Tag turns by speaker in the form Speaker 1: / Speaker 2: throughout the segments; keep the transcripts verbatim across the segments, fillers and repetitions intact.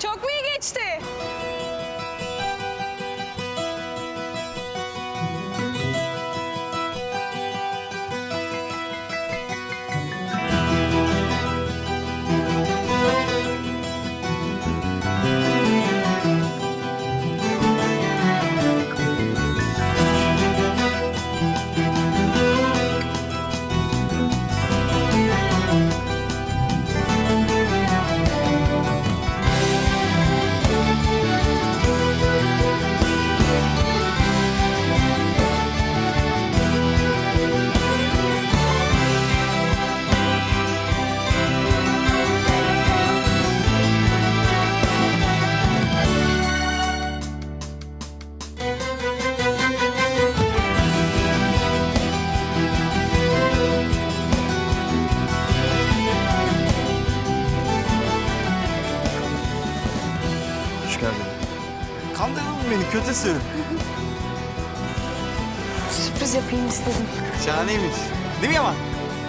Speaker 1: Çok mu iyi geçti?
Speaker 2: Hoş geldin.
Speaker 3: Kandırdın mı beni kötüsün?
Speaker 1: Sürpriz yapayım istedim.
Speaker 3: Şahaneymiş. Değil mi Yaman?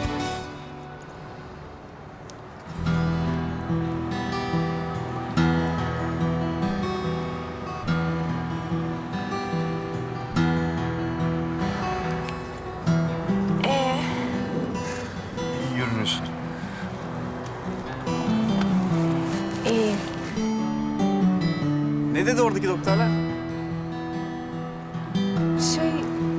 Speaker 1: Ee,
Speaker 2: İyi görünüyorsun.
Speaker 1: iyi.
Speaker 3: Ne dedi oradaki doktorlar?
Speaker 1: Şey...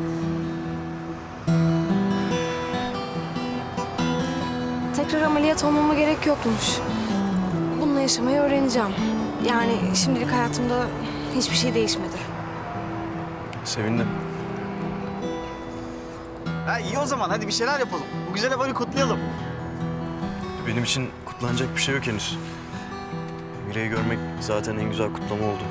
Speaker 1: Tekrar ameliyat olmama gerek yokmuş. Bununla yaşamayı öğreneceğim. Yani şimdilik hayatımda hiçbir şey değişmedi.
Speaker 2: Sevindim.
Speaker 3: Ha iyi o zaman hadi bir şeyler yapalım. Bu güzel haberi kutlayalım.
Speaker 2: Benim için kutlanacak bir şey yok henüz. Mire'yi görmek zaten en güzel kutlama oldu.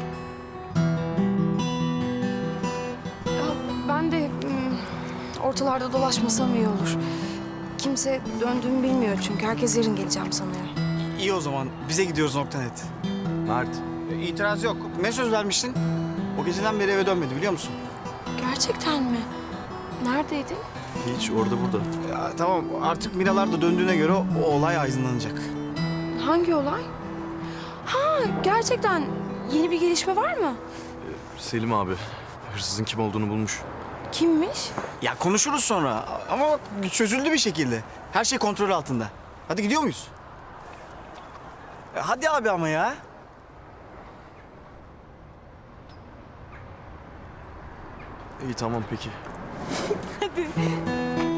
Speaker 1: Ya ben de hmm, ortalarda dolaşmasam iyi olur. Kimse döndüğümü bilmiyor çünkü herkes yarın geleceğim sanıyor.
Speaker 3: İyi o zaman bize gidiyoruz nokta.net.
Speaker 2: Mert.
Speaker 3: E, İtiraz yok. Ne söz vermiştin? O geceden beri eve dönmedi biliyor musun?
Speaker 1: Gerçekten mi? Neredeydin?
Speaker 2: Hiç orada burada.
Speaker 3: Ya, tamam artık Miralar da döndüğüne göre o, o olay aydınlanacak.
Speaker 1: Hangi olay? Ha gerçekten yeni bir gelişme var mı?
Speaker 2: Selim abi hırsızın kim olduğunu bulmuş.
Speaker 1: Kimmiş?
Speaker 3: Ya konuşuruz sonra ama bak çözüldü bir şekilde. Her şey kontrol altında. Hadi gidiyor muyuz? E, hadi abi ama ya.
Speaker 2: İyi tamam peki.
Speaker 1: Hadi.